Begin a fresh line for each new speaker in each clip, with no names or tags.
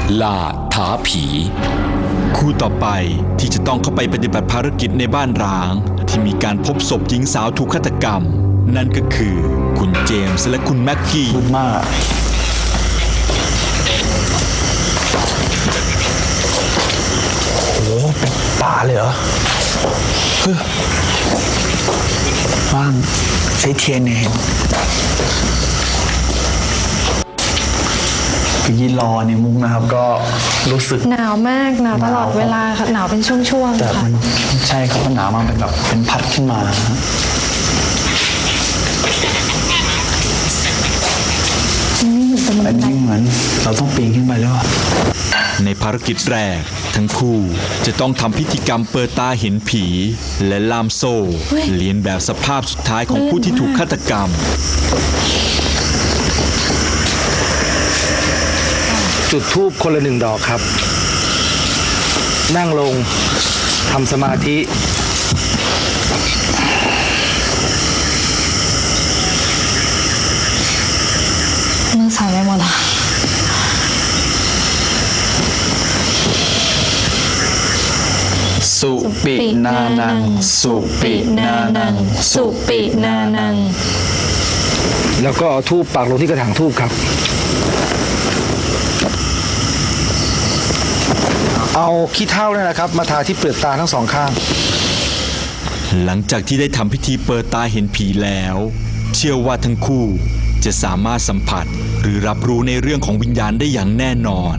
ล่าท้าผีคู่ต่อไปที่จะต้องเข้าไปปฏิบัติภารกิจในบ้านร้างที่มีการพบศพหญิงสาวถูกฆาตกรรมนั่นก็คือคุณเจมส์และคุณแม็กกี้
มากโอ้เป็นป่าเลยเหรอว่างใช้เทียนเนี่ยยืนรอในมุ้งนะครับก็รู้สึก
หนาวมากหนาวตลอดเวลาค่ะหนาวเป็นช่วงๆ
แต่มันใช่ครับมันหนาวมากเป็นแบบเป็นพัดขึ้นมาแต่นี่เหมือนเราต้องปีนขึ้นไปแล้ว
ในภารกิจแรกทั้งคู่จะต้องทำพิธีกรรมเปิดตาเห็นผีและล่ามโซ่เลียนแบบสภาพสุดท้ายของผู้ที่ถูกฆาตกรรม
จุดธูปคนละ1 ดอกครับนั่งลงทำสมาธิ
มือสั่นไปหมดอ่ะ
สุปินานังสุปินานัง
สุปินานัง
แล้วก็เอาธูปปักลงที่กระถางธูปครับเอาขี้เถ้าเนี่ยนะครับมาทาที่เปลือกตาทั้ง2 ข้าง
หลังจากที่ได้ทำพิธีเปิดตาเห็นผีแล้วเชื่อว่าทั้งคู่จะสามารถสัมผัสหรือรับรู้ในเรื่องของวิญญาณได้อย่างแน่นอน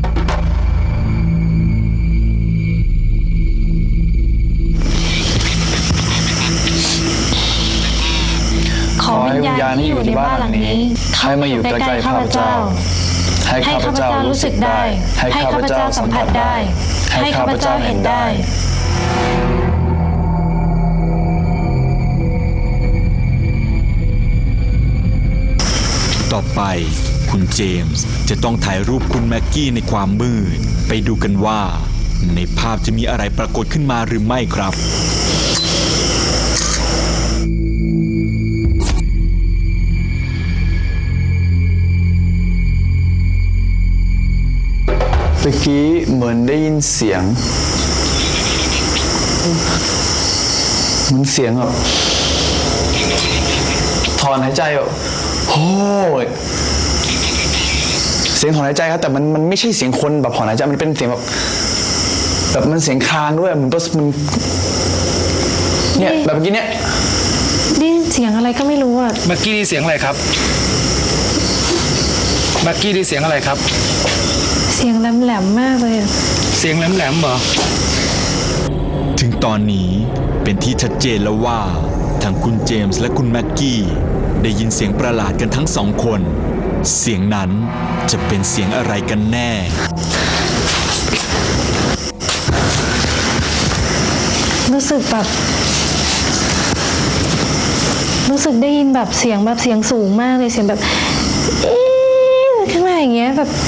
ขอวิญญาณที่อยู่ในบ้านหลังนี้
ให้มาอยู่ใกล้ๆข้าพเจ้าให้ข้าพเจ้ารู้สึกได้ให้ข้าพเจ้าสัมผัสได้ให้ข้าพเจ้าเห็นได้
ต่อไปคุณเจมส์จะต้องถ่ายรูปคุณแม็กกี้ในความมืดไปดูกันว่าในภาพจะมีอะไรปรากฏขึ้นมาหรือไม่ครับ
เมื่อกี้เหมือนได้ยินเสียงเหมือนเสียงแบบถอนหายใจแบบโอ้ยเสียงถอนหายใจครับแต่มันไม่ใช่เสียงคนแบบถอนหายใจมันเป็นเสียงแบบมันเสียงคางด้วยมันเนี่ยแบบเมื่อกี้เนี่ย
ได้ยินเสียงอะไรก็ไม่รู้อ่ะ
เมื่อกี้ได้เสียงอะไรครับเมื่อกี้ได้เสียงอะไรครับ
เสียงแหลมๆมากเลย
เสียงแหลมๆเหรอ
ถึงตอนนี้เป็นที่ชัดเจนแล้วว่าทั้งคุณเจมส์และคุณแม็กกี้ได้ยินเสียงประหลาดกันทั้ง2 คนเสียงนั้นจะเป็นเสียงอะไรกันแน่
รู้สึกได้ยินแบบเสียงสูงมากเลยเสียงแบบขึ้นมาอย่างเงี้ยแบบ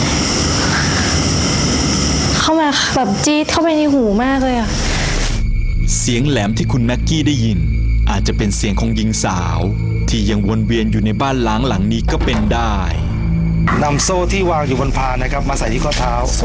เข้ามาแบบจี๊ดเข้าไปในหูมากเลยอะ
เสียงแหลมที่คุณแม็กกี้ได้ยินอาจจะเป็นเสียงของหญิงสาวที่ยังวนเวียนอยู่ในบ้านล้างหลังนี้ก็เป็นได้
นำโซ่ที่วางอยู่บนพานนะครับมาใส่ที่ข้อเท้าโซ่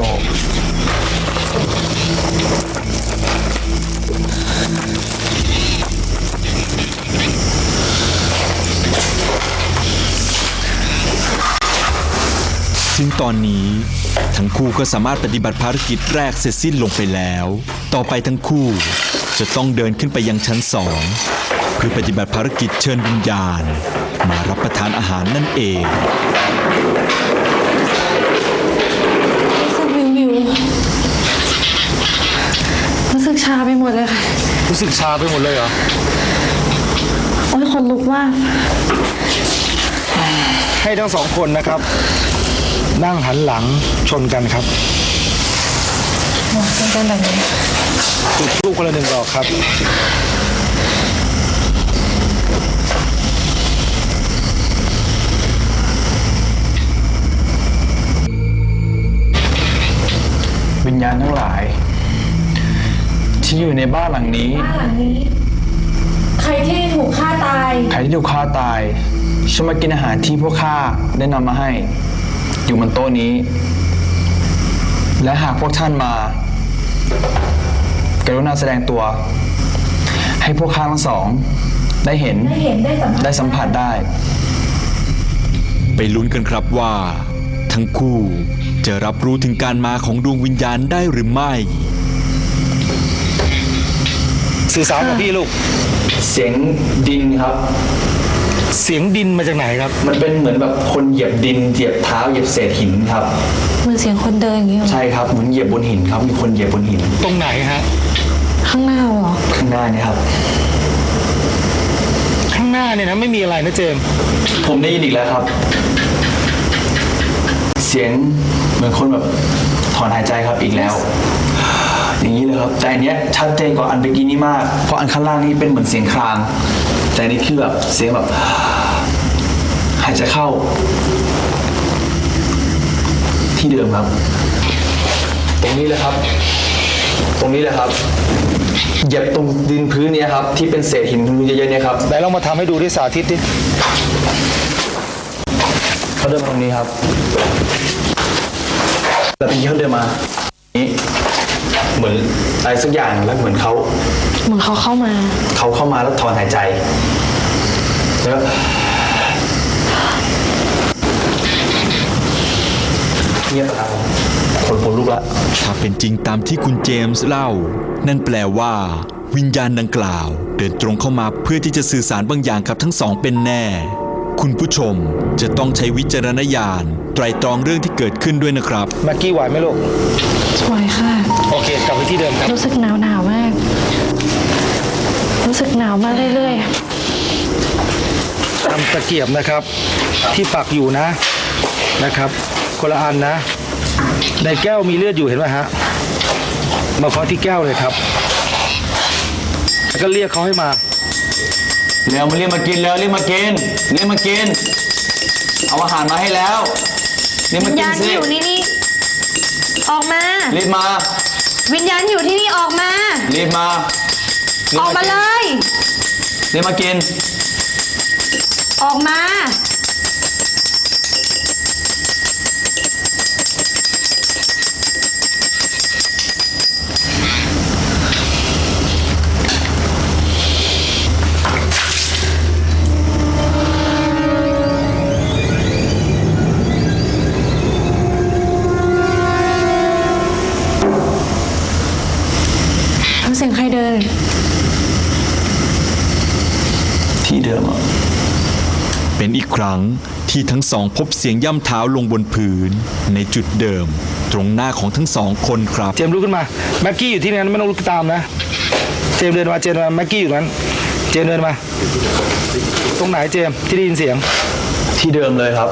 ซึ่งตอนนี้ทั้งคู่ก็สามารถปฏิบัติภารกิจแรกเสร็จสิ้นลงไปแล้วต่อไปทั้งคู่จะต้องเดินขึ้นไปยังชั้น2เพื่อปฏิบัติภารกิจเชิญวิญญาณมารับประทานอาหารนั่นเอง
รู้สึกชาไปหมดเลยค่ะ
รู้สึกชาไปหมดเลยเหรอ
โอ้ยคนลุกมาก
ให้ทั้ง2 คนนะครับนั่งหันหลังชนกันครับ
ชนกันแบบนี้
จุดธูปคนละ1 ดอกครับ
วิญญาณทั้งหลายที่อยู่ในบ้านหลังนี้
ใครที่ถูกฆ่าตาย
ฉันมากินอาหารที่พวกข้าได้นำมาให้อยู่บนโต๊ะนี้และหากพวกท่านมา กรุณาแสดงตัว ให้พวกข้าทั้งสอง ได้เห็นได้สัมผัสได้
ไปลุ้นกันครับว่า ทั้งคู่จะรับรู้ถึงการมาของดวงวิญญาณได้หรือไม่
สื่อสารกับพี่ลูก
เสียงดินครับ
เสียงดินมาจากไหนครับ
มันเป็นเหมือนแบบคนเหยียบดินเหยียบเท้าเหยียบเศษหินครับ
เหมือนเสียงคนเดินอย่างนี้เหรอ
ใช่ครับเหมือนเหยียบบนหินครับมีคนเหยียบบนหิน
ตรงไหนฮะ
ข้างหน้าเหรอ
ข้างหน้านี่ครับ
ข้างหน้าเนี่ยนะไม่มีอะไรนะเจมส์
ผมได้ยินอีกแล้วครับ เสียงเหมือนคนแบบถอนหายใจครับอีกแล้ว อย่างนี้เลยครับแต่อันเนี้ยชัดเจนกว่าอันเมื่อกี้นี้มากเพราะอันข้างล่างนี่เป็นเหมือนเสียงครางแต่อันนี้คือแบบเสียงแบบหายใจเข้า ที่เดิมครับ ตรงนี้เลยครับ ตรงนี้เลยครับเหยียบตรงดินพื้นเนี้ยครับที่เป็นเศษหินเยอะๆเนี่ยครับ
ไหนลองมาทำให้ดูที่สาธิตดิ
เขาเดินมาตรงนี้ครับแล้วเป็นที่เขาเดินมานี้เหมือนอะไรสักอย่างแล้วเหมือนเขา
เหมือนเขาเข้ามา
แล้วถอนหายใจแล้วเงียบครับคนลุกละ
ถ้าเป็นจริงตามที่คุณเจมส์เล่า นั่นแปลว่า วิญญาณดังกล่าว เดินตรงเข้ามาเพื่อที่จะสื่อสารบางอย่างกับทั้งสองเป็นแน่ คุณผู้ชมจะต้องใช้วิจารณญาณไตรตรองเรื่องที่เกิดขึ้นด้วยนะครับ
แม็กกี้ไหวไหมลูก
สวยค่ะ
โอเค กลับไปที่เดิมครับ
รู้สึกหนาวมาก รู้สึกหนาวมากเรื่อย
ตามตะเกียบนะครับ ที่ปักอยู่นะครับคนละอันนะ ในแก้วมีเลือดอยู่เห็นไหมฮะมาเคาะที่แก้วเลยครับแล้วก็เรียกเขาให้มา
เร็วมาเรียกมากินแล้วเรียกมากินเอาอาหารมาให้แล้วเรียก
ๆ
มา
วิญ
กิน
ญาณ
สิ
ที่อยู่นี่ออกมา
รีบมา
วิญญาณที่อยู่ที่นี่ออกมา
รีบมา
ออกมาเลย
เรียกมากิน
ออกมา ทำเสียงใครเดิน
ที่เดิมอ่ะ
เป็นอีกครั้งที่ทั้งสองพบเสียงย่ำเท้าลงบนพื้น ในจุดเดิม ตรงหน้าของทั้งสองคนครับ
เจมส์ลุกขึ้นมาแม็กกี้อยู่ที่นั้นไม่ต้องลุกตามนะเจมส์เดินมาแม็กกี้อยู่นั้นเจมส์เดินมา ตรงไหนเจมส์ที่ได้ยินเสียง
ที่เดิมเลยครับ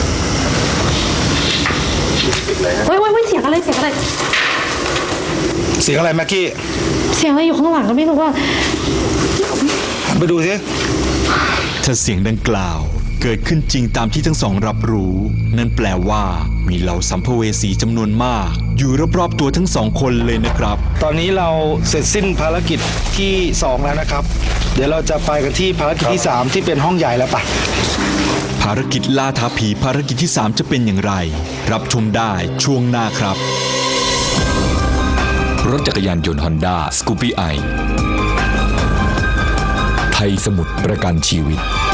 เว้ยเสียงอะไร
เสียงอะไรแม็กกี้
เสียงอะไรอยู่ข้างหลังก็ไม่รู้ว่า
ไปดูสิ
ถ้าเสียงดังกล่าวเกิดขึ้นจริงตามที่ทั้งสองรับรู้ นั่นแปลว่ามีเหล่าสัมภเวสีจำนวนมาก อยู่รอบๆตัวทั้งสองคนเลยนะครับ
ตอนนี้เราเสร็จสิ้นภารกิจที่2แล้วนะครับ เดี๋ยวเราจะไปกันที่ภารกิจที่3ที่เป็นห้องใหญ่แล้วปะ
ภารกิจล่าท้าผีภารกิจที่ 3 จะเป็นอย่างไร รับชมได้ช่วงหน้าครับ
รถจักรยานยนต์ฮอนด้าสกูปี้ไอไทยสมุทรประกันชีวิต